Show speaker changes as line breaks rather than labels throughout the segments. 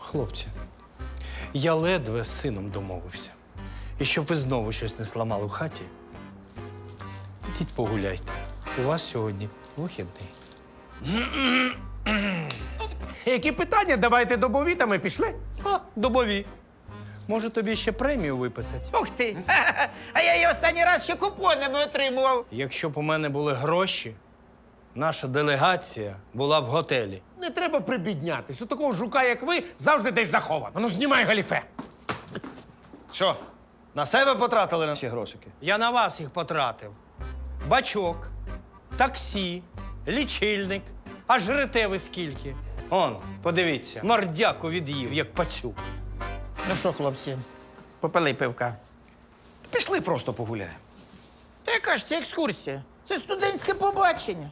Хлопці, я ледве з сином домовився. І щоб ви знову щось не зламали в хаті, ідіть погуляйте. У вас сьогодні вихідний.
Які питання? Давайте добові, та ми пішли.
А, добові. Може, тобі ще премію виписати?
Ух ти! А я її останній раз ще купонами отримував.
Якщо б у мене були гроші, наша делегація була в готелі.
Не треба прибіднятись. У такого жука, як ви, завжди десь заховано. Ну, знімай галіфе.
Що, на себе потратили наші грошики?
Я на вас їх потратив. Бачок, таксі, лічильник. А жрете ви скільки? Он, подивіться, мордяку від'їв, як пацюк.
Ну що, хлопці, попили пивка.
Пішли просто погуляємо.
Та яка ж це екскурсія? Це студентське побачення.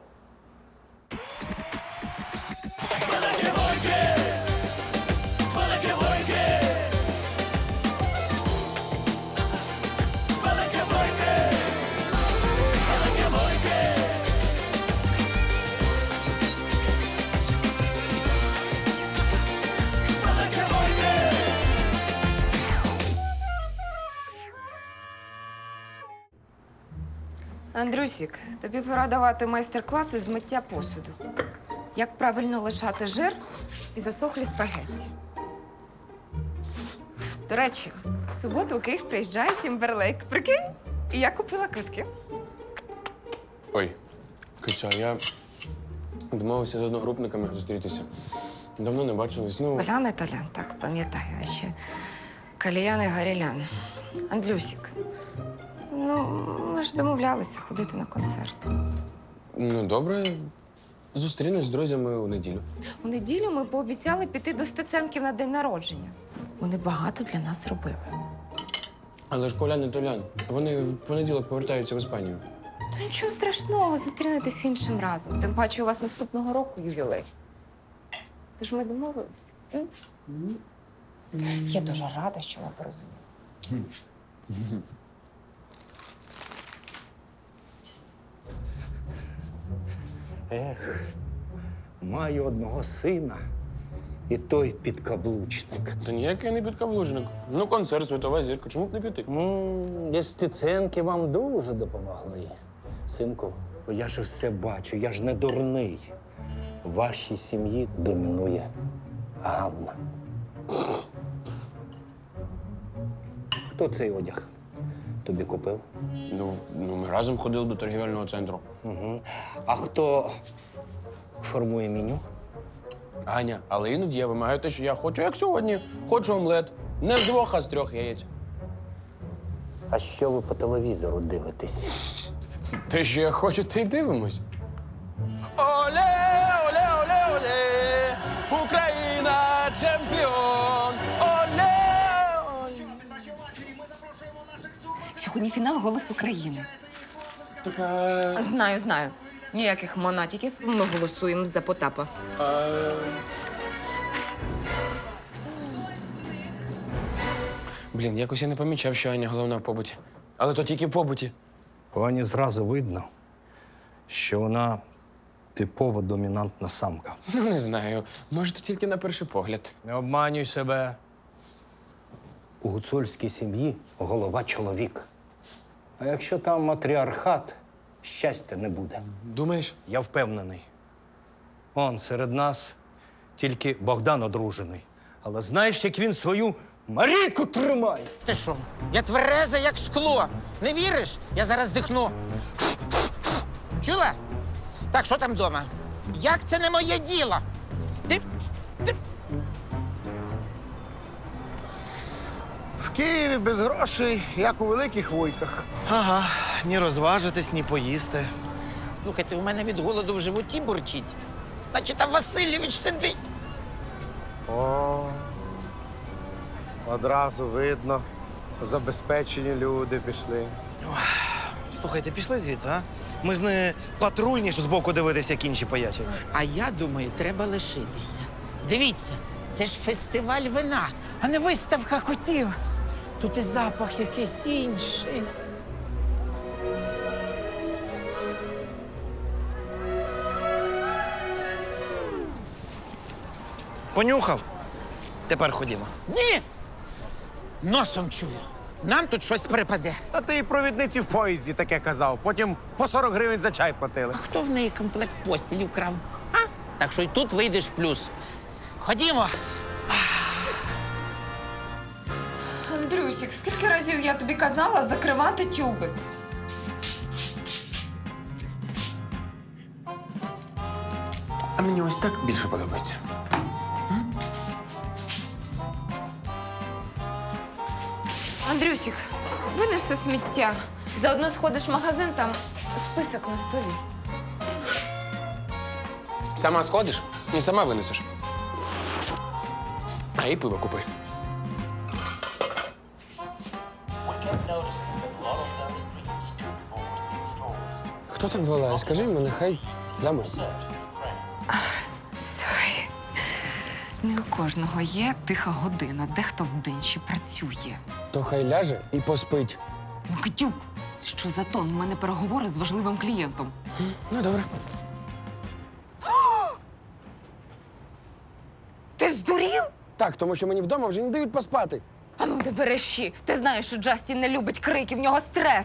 Андрюсік, тобі пора давати майстер-класи з миття посуду. Як правильно лишати жир і засохлі спагетті. До речі, в суботу у Київ приїжджає Тімберлейк. Прикинь? І я купила квитки.
Ой, Киця, я домовився з одногрупниками зустрітися. Давно не бачились. Ну,
Олян і Толян, так, пам'ятаю. А ще Каліян і Гарілян. Андрюсік, ну, ми ж домовлялися ходити на концерт.
ну добре. Зустрінусь з друзями у неділю.
У неділю ми пообіцяли піти до Стеценків на день народження. Вони багато для нас зробили.
Але ж Колян і Толян, вони в понеділок повертаються в Іспанію.
Та нічого страшного, зустрінетесь іншим разом. Тим паче у вас наступного року ювілей. Тож ми домовилися. Я дуже рада, що ви порозуміли.
Ех, маю одного сина, і той підкаблучник.
Та ніякий не підкаблучник. Ну, концерт, світова зірка. Чому б не піти?
Без Стеценки вам дуже допомогли. Синку, я ж все бачу, я ж не дурний. В вашій сім'ї домінує Ганна. Хто цей одяг тобі купив?
Ну, ми разом ходили до торгівельного центру.
Угу. А хто формує меню?
Аня, але іноді я вимагаю те, що я хочу, як сьогодні. Хочу омлет. Не з 2, а з 3 яєць.
А що ви по телевізору дивитесь?
Те, що я хочу, те й дивимось. Оле, оле, оле, оле! Україна чемпіон! Оле, оле!
Сьогодні фінал «Голос України».
Така...
Знаю. Ніяких монатиків. Ми голосуємо за Потапа.
Блін, якось я не помічав, що Аня головна в побуті. Але то тільки в побуті.
По Ані зразу видно, що вона типова домінантна самка.
Ну, не знаю. Може, то тільки на перший погляд.
Не обманюй себе. У гуцульській сім'ї голова чоловік. А якщо там матріархат, щастя не буде.
Думаєш?
Я впевнений. Он серед нас тільки Богдан одружений. Але знаєш, як він свою Марійку тримає?
Ти що? Я твереза, як скло. Не віриш? Я зараз дихну. Чула? Так, що там вдома? Як це не моє діло? Ти
В Києві без грошей, як у великих вуйках.
Ага, ні розважитись, ні поїсти.
Слухайте, у мене від голоду в животі бурчить. Наче там Васильович сидить.
О, одразу видно, забезпечені люди пішли.
Слухайте, пішли звідси, а? Ми ж не патрульні, що збоку дивитися, як інші поячать.
А я думаю, треба лишитися. Дивіться, це ж фестиваль вина, а не виставка котів. Тут і запах якийсь інший.
Понюхав? Тепер ходімо.
Ні! Носом чую. Нам тут щось припаде.
А ти і провідниці в поїзді таке казав. Потім по 40 гривень за чай платили.
А хто в неї комплект постілі вкрав? А? Так що й тут вийдеш в плюс. Ходімо.
Андрюсік, скільки разів я тобі казала закривати тюбик?
А мені ось так більше подобається.
Андрюсік, винеси сміття. Заодно сходиш в магазин, там список на столі.
Сама сходиш і сама винесеш. А і пиво купи. Хто там волає? Скажи йому, нехай замовк.
Сорі. Не у кожного є тиха година, дехто вдень ще працює.
То хай ляже і поспить.
Ну, Катюк, це що за тон? У мене переговори з важливим клієнтом.
Ну, добре.
Ти здурів?
Так, тому що мені вдома вже не дають поспати.
А ну не береші. Ти знаєш, що Джастін не любить крики, в нього стрес.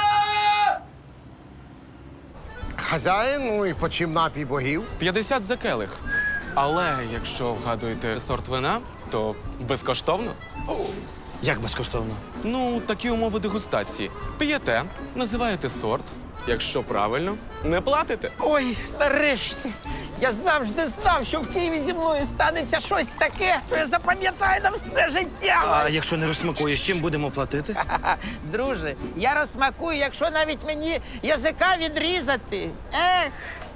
Хазяїн, ну і почим напій богів.
50 за келих. Але якщо вгадуєте сорт вина, то безкоштовно.
Як безкоштовно?
Ну, такі умови дегустації. П'єте, називаєте сорт. Якщо правильно, не платите.
Ой, нарешті. Я завжди знав, що в Києві зі мною станеться щось таке, що я запам'ятаю на все життя.
А якщо не розсмакуєш, чим будемо платити?
Друже, я розсмакую, якщо навіть мені язика відрізати. Ех.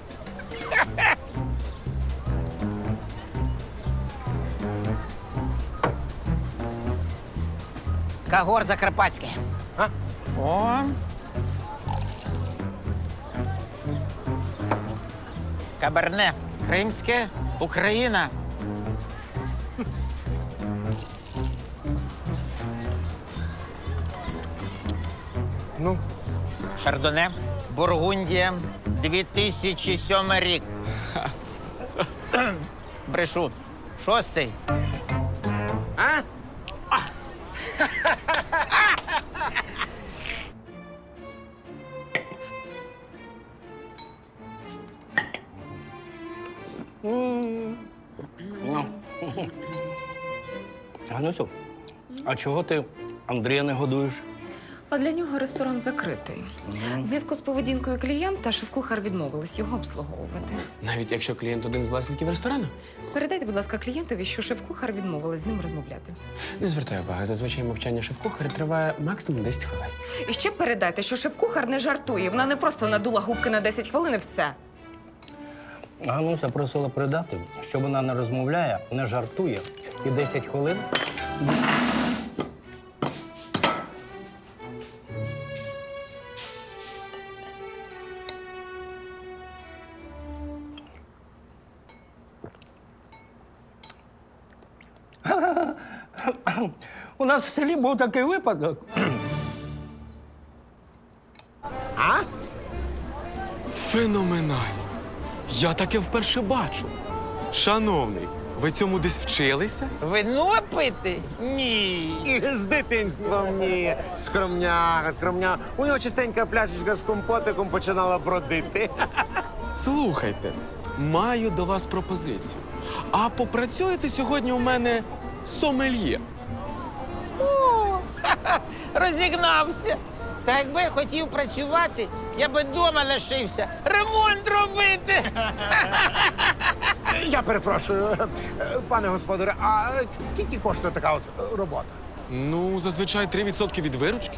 Кагор Закарпатське.
А?
О. Каберне. Кримське. Україна.
Ну,
Шардоне. Бургундія. 2007 рік. Брешу. 6-й.
А?
Ганусю, а чого ти Андрія не годуєш?
А для нього ресторан закритий. В зв'язку з поведінкою клієнта шеф-кухар відмовилась його обслуговувати.
Навіть якщо клієнт один з власників ресторану.
Передайте, будь ласка, клієнтові, що шеф-кухар відмовилась з ним розмовляти.
Не звертай уваги, зазвичай мовчання шеф-кухаря триває максимум 10 хвилин.
І ще передайте, що шеф-кухар не жартує. Вона не просто надула губки на 10 хвилин і все.
Гануся просила передати, що вона не розмовляє, не жартує і 10 хвилин. У нас в селі був такий випадок.
Феноменально. Я таке вперше бачу. Шановний, ви цьому десь вчилися?
Вино пити? Ні.
І з дитинством ні. Скромняга, скромняга. У нього частенька пляшечка з компотиком починала бродити.
Слухайте, маю до вас пропозицію. А попрацюєте сьогодні у мене сомельє?
Розігнався. Та якби я хотів працювати, я би вдома лишився. Ремонт робити.
Я перепрошую, пане господаре, а скільки коштує така от робота?
Ну, зазвичай 3% від виручки.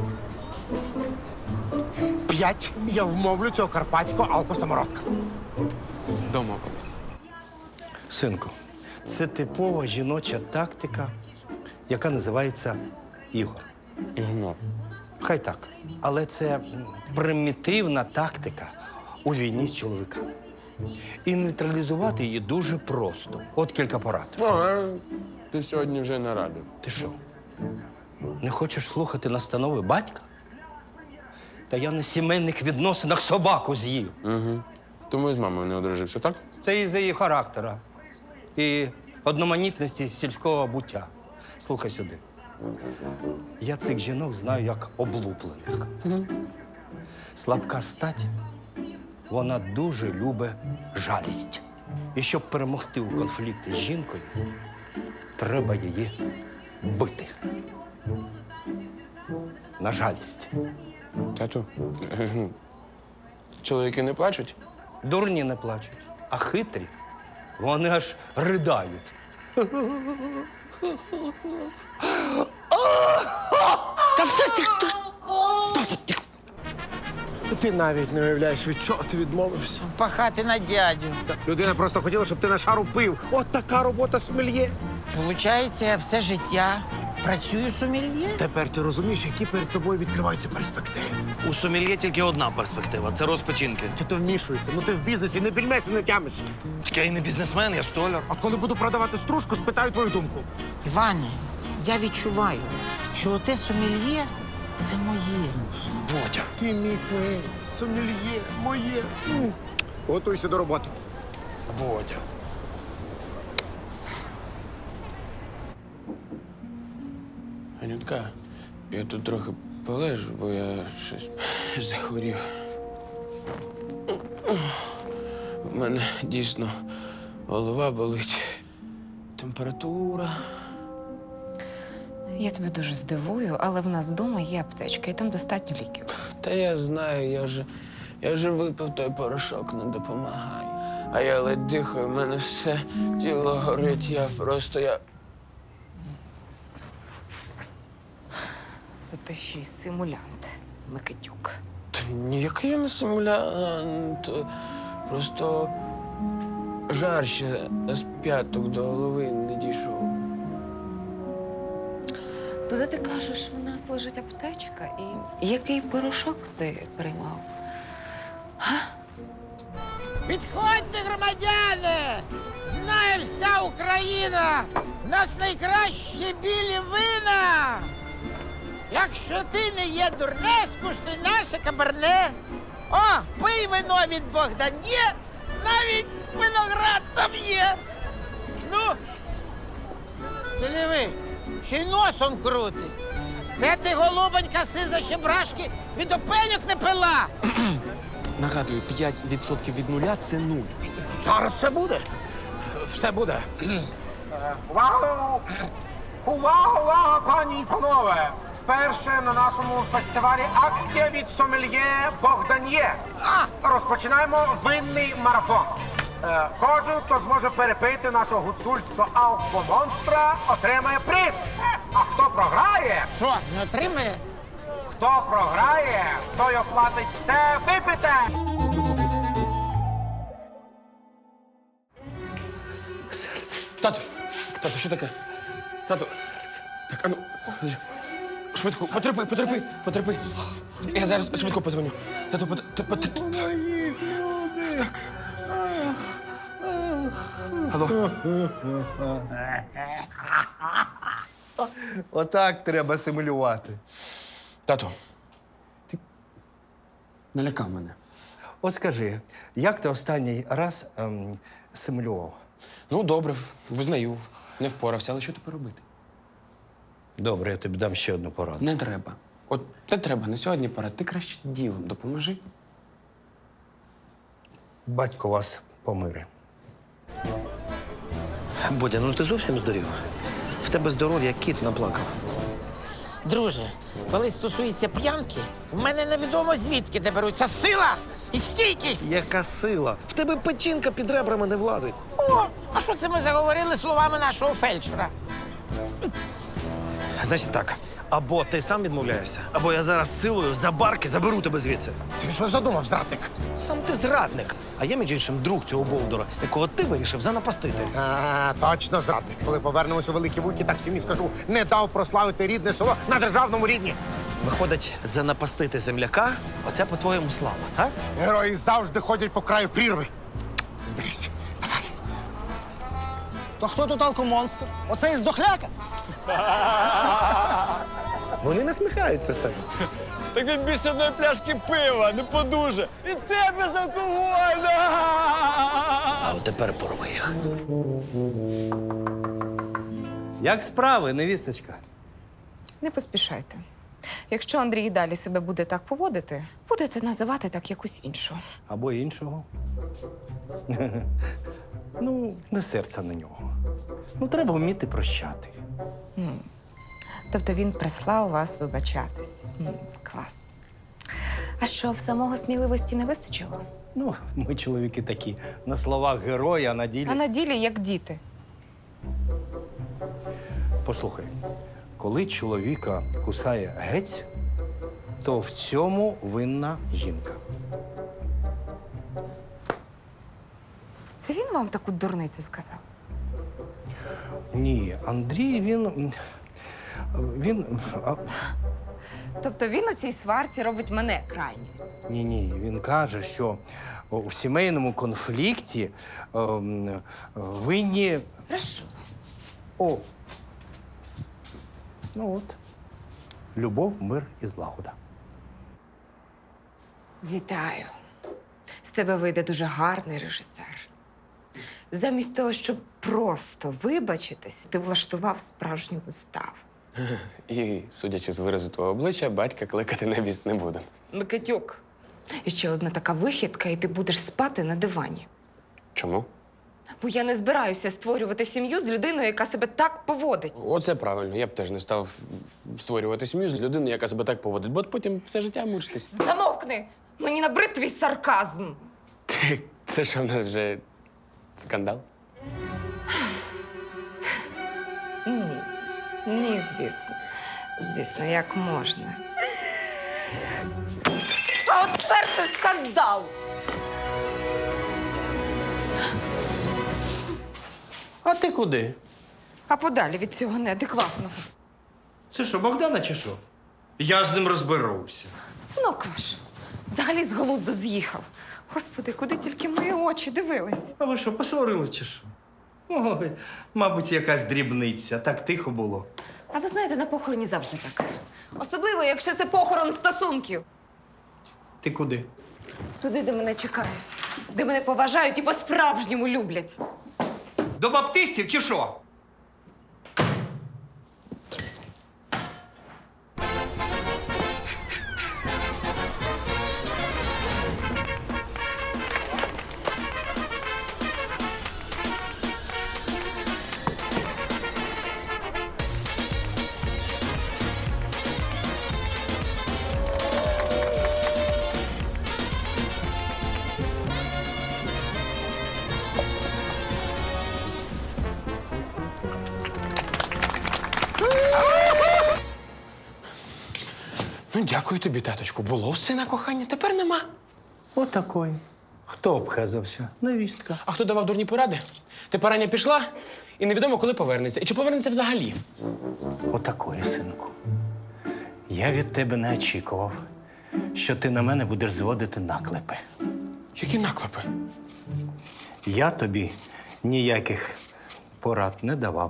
5. Я вмовлю цього карпатського алкосамородка.
Домовились.
Синку, це типова жіноча тактика, яка називається ігор.
Ігнор.
Хай так. Але це примітивна тактика у війні з чоловіками. І нейтралізувати її дуже просто. От кілька порад.
Ти сьогодні вже нарадив.
Ти що? Не хочеш слухати настанови батька? Та я на сімейних відносинах собаку з'їв.
Угу. Тому і з мамою не одружився, так?
Це із-за її характера і одноманітності сільського буття. Слухай сюди. Я цих жінок знаю як облуплених. Слабка стать, вона дуже любить жалість. І щоб перемогти у конфлікті з жінкою, треба її бити. На жалість.
Тату, чоловіки не плачуть?
Дурні не плачуть, а хитрі, вони аж ридають.
Та все ти.
Ти навіть не уявляєш, від чого ти відмовився.
Пахати на дядю.
Людина просто хотіла, щоб ти на шару пив. От така робота сомельє.
Получається, я все життя працюю сомельє?
Тепер ти розумієш, які перед тобою відкриваються перспективи.
У сомельє тільки одна перспектива це розпочинки.
Чи ти вмішуєшся? Ну ти в бізнесі не більмеся, не тямиш.
Так я і не бізнесмен, я столяр.
От коли буду продавати стружку, спитаю твою думку.
Іване, я відчуваю, що оте сомельє – це моє.
Бодя.
Ти мій поет, сомельє, моє. Готуйся до роботи.
Бодя.
Анютка, я тут трохи полежу, бо я щось захворів. У мене дійсно голова болить, температура.
Я тебе дуже здивую, але в нас вдома є аптечка, і там достатньо ліків.
Та я знаю, я вже випив той порошок, не допомагає. А я ледь дихаю, в мене все тіло горить, я.
То ти ще й симулянт, Микитюк.
Та ніякий я не симулянт. Просто жар ще з п'яток до голови не дійшов.
Туди ти кажеш, в нас лежить аптечка, і який порошок ти приймав?
Підходьте, громадяни! Знає вся Україна! В нас найкращі білі вина! Якщо ти не є дурне, скуштуй наше кабарне. О, пий вино від Богдане, навіть виноград там є. Ну, ти диви, ще й носом крутить. Це ти, голубонька, сиза щебрашки, від опелюк не пила.
Нагадую, 5% від нуля це 0.
Зараз все буде. Все буде. Увагу! Увага, пані і панове! Вперше на нашому фестивалі акція від сомельє Богдан'є. Розпочинаємо винний марафон. Кожен, хто зможе перепити нашого гуцульського алкомонстра, отримає приз. А хто програє,
Що, не отримає?
хто програє, той оплатить все випите.
Тату, що таке? Тату. Так, ану, швидко, потерпи. Я зараз швидко позвоню. Тату, Так. Алло.
Отак треба симулювати.
Тату, ти налякав мене.
От скажи, як ти останній раз симулював?
Ну, добре, визнаю. Не впорався, але що тепер робити?
Добре, я тобі дам ще одну пораду.
Не треба. От не треба, на сьогодні пора. Ти краще ділом допоможи.
Батько вас помире.
Бодя, ну ти зовсім здурів? В тебе здоров'я кіт наплакав.
Друже, коли стосується п'янки, в мене невідомо звідки де беруться сила і стійкість.
Яка сила? В тебе печінка під ребрами не влазить.
О, а що це ми заговорили словами нашого фельдшера?
Значить так, або ти сам відмовляєшся, або я зараз силою за барки заберу тебе звідси.
Ти що задумав, зрадник?
Сам ти зрадник, а я, між іншим, друг цього бовдора, якого ти вирішив занапастити.
Точно зрадник. Коли повернемося у Великі Вуйки, так сім'ї скажу, не дав прославити рідне село на державному рівні.
Виходить, занапастити земляка – оце по-твоєму слава, а?
Герої завжди ходять по краю прірви. Зберись. Давай.
То хто тут алкомонстр? Оцей здохляка?
Вони насміхаються з тебе.
Так він більше одної пляшки пива, не подуже. І те безалкогольне!
А от тепер порви їх.
Як справи, невісточка?
Не поспішайте. Якщо Андрій і далі себе буде так поводити, будете називати так якусь іншу.
Або іншого. Ну, не серця на нього. Ну, треба вміти прощати.
Тобто він прислав вас вибачатись. Клас. А що, в самого сміливості не вистачило?
Ну, ми чоловіки такі. На словах герої, а на ділі.
А на ділі як діти.
Послухай, коли чоловіка кусає гець, то в цьому винна жінка.
Це він вам таку дурницю сказав?
Ні, Андрій, він.
Тобто він у цій сварці робить мене крайньою.
Ні, він каже, що у сімейному конфлікті винні.
Прошу.
О. Ну от. Любов, мир і злагода.
Вітаю. З тебе вийде дуже гарний режисер. Замість того, щоб просто вибачитись, ти влаштував справжню виставу.
І, судячи з виразу твого обличчя, батька кликати на віст не буде.
Микитюк. І ще одна така вихідка, і ти будеш спати на дивані.
Чому?
Бо я не збираюся створювати сім'ю з людиною, яка себе так поводить.
Оце правильно. Я б теж не став створювати сім'ю з людиною, яка себе так поводить, бо потім все життя мучитись.
Замовкни! Мені набрид твій сарказм.
Це що в нас вже скандал?
Ні. Ні, звісно. Звісно, як можна. А от тепер це скандал!
А ти куди?
А подалі від цього неадекватного.
Це що, Богдана чи що? Я з ним розберуся.
Синок ваш взагалі з глузду з'їхав. Господи, куди тільки мої очі дивились?
А ви що, посварили чи що? Ой, мабуть, якась дрібниця. Так тихо було.
А ви знаєте, на похороні завжди так. Особливо, якщо це похорон стосунків.
Ти куди?
Туди, де мене чекають, де мене поважають і по-справжньому люблять.
До баптистів чи що?
Ну, дякую тобі, таточку. Було в сина кохання, тепер нема.
Отакой. Хто обхезався? Невістка.
А хто давав дурні поради? Тепер Аня пішла, і невідомо, коли повернеться. І чи повернеться взагалі?
Отакої, синку. Я від тебе не очікував, що ти на мене будеш зводити наклепи.
Які наклепи?
Я тобі ніяких порад не давав.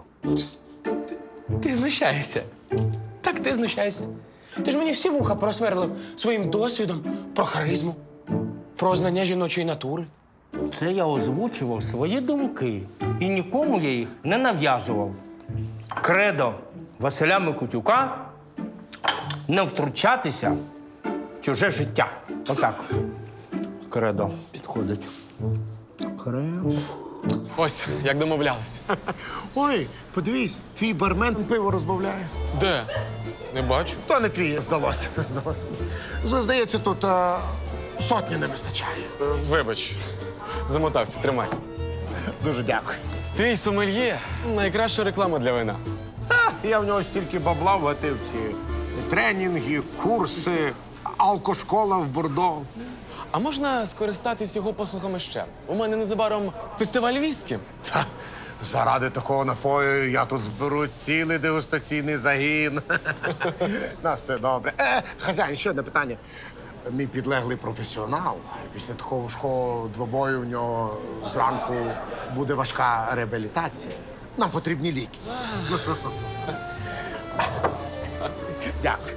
Ти знущаєшся. Так, ти знущаєшся. Ти ж мені всі вуха просверлив своїм досвідом про харизму, про знання жіночої натури.
Це я озвучував свої думки. І нікому я їх не нав'язував. Кредо Василя Микитюка – не втручатися в чуже життя. Отак. Кредо підходить. Кредо.
Ось, як домовлялися.
Ой, подивись, твій бармен пиво розбавляє.
Де? Не бачу.
То не твій, здалося. Здається, тут сотні не вистачає.
Вибач, замотався, тримай.
Дуже дякую.
Твій сомельє – найкраща реклама для вина.
Я в нього стільки бабла вгатив ці тренінги, курси, алкошкола в Бордо.
А можна скористатись його послугами ще? У мене незабаром фестиваль віскі.
Та, заради такого напою я тут зберу цілий дегустаційний загін. На все добре. Хазяїн, ще одне питання. Мій підлеглий професіонал. Після такого важкого двобою в нього зранку буде важка реабілітація. Нам потрібні ліки. Дякую.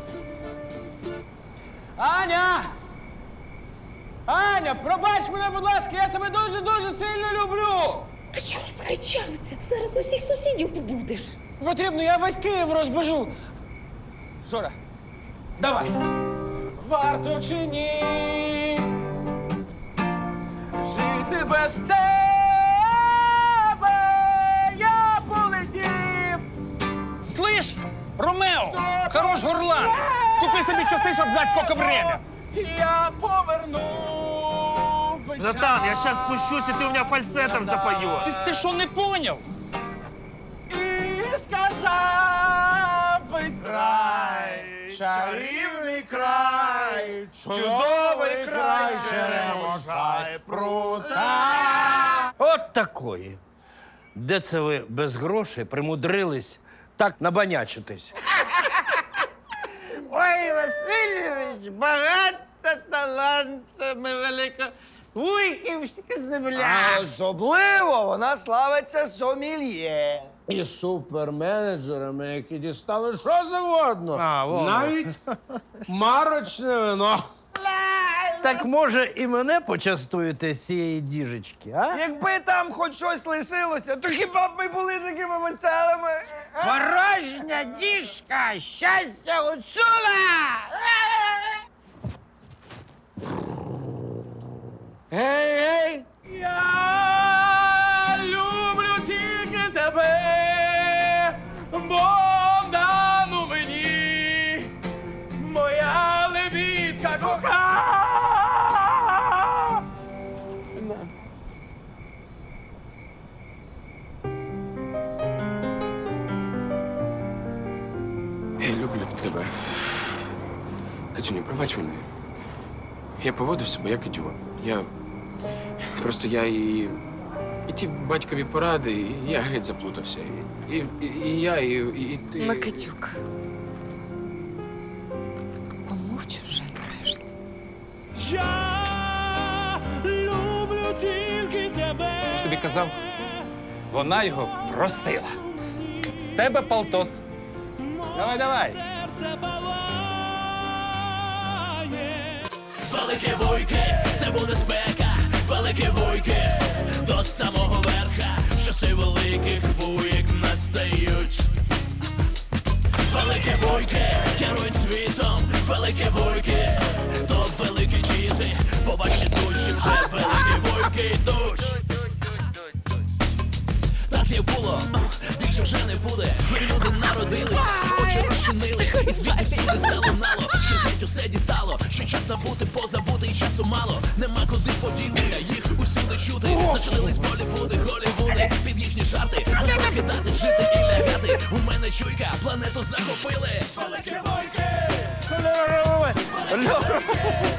Аня! Аня, пробач мене, будь ласка, я тебе дуже-дуже сильно люблю!
Ти чого розкричався? Зараз усіх сусідів побудеш.
Потрібно, я весь Київ розбежу. Жора, давай. Варто чи ні жити без тебе, я полетів.
Слышь, Ромео, хорош горлан. Купи собі часи, щоб знати, скільки время.
Я поверну.
Братан, я сейчас спущусь, и ты у меня фальцетом запоешь. Ты что, не понял?
І сказав би
Чарівний край, чудовий край, черемоша і прута.
От такої. Де це ви без грошей примудрились так набанячитись?
Ой, Васильович, багато талантами велика. Вуйківська земля.
Особливо вона славиться сомельє.
І суперменеджерами, які дістали що завгодно. Навіть марочне вино.
Так може і мене почастуєте з цієї діжечки, а?
Якби там хоч щось лишилося, то хіба б ми були такими веселими?
Порожня діжка, щастя гуцула!
Гей, гей!
я люблю тільки тебе, бо дану мені моя лебідка кохана.
Я люблю тебе. Катюню, пробач мене. Я поводив себе як ідіот. І ті батькові поради, і я геть заплутався. І ти.
Микитюк. Помовч вже нарешті.
Я люблю тільки тебе. Я ж тобі казав, вона його простила. З тебе полтос. Давай, давай.
Велике вуйки, це буде спека, велике вуйки, до самого верха, часи великих вуйк настають. Велике вуйки, керують світом, велике вуйки, то великі діти, по вашій душі вже великі вуйки йдуть. Так як було, більше вже не буде. Ми люди народились, очі розчинили, і звідти всюди залунало, що геть усе дістало, що час набути, позабути, і часу мало. Нема куди подітися, їх усюди чути. Зачинились Болівуди, Голівуди, під їхні жарти. Покидати, жити і лягати. У мене чуйка, планету захопили. Велике вуйки!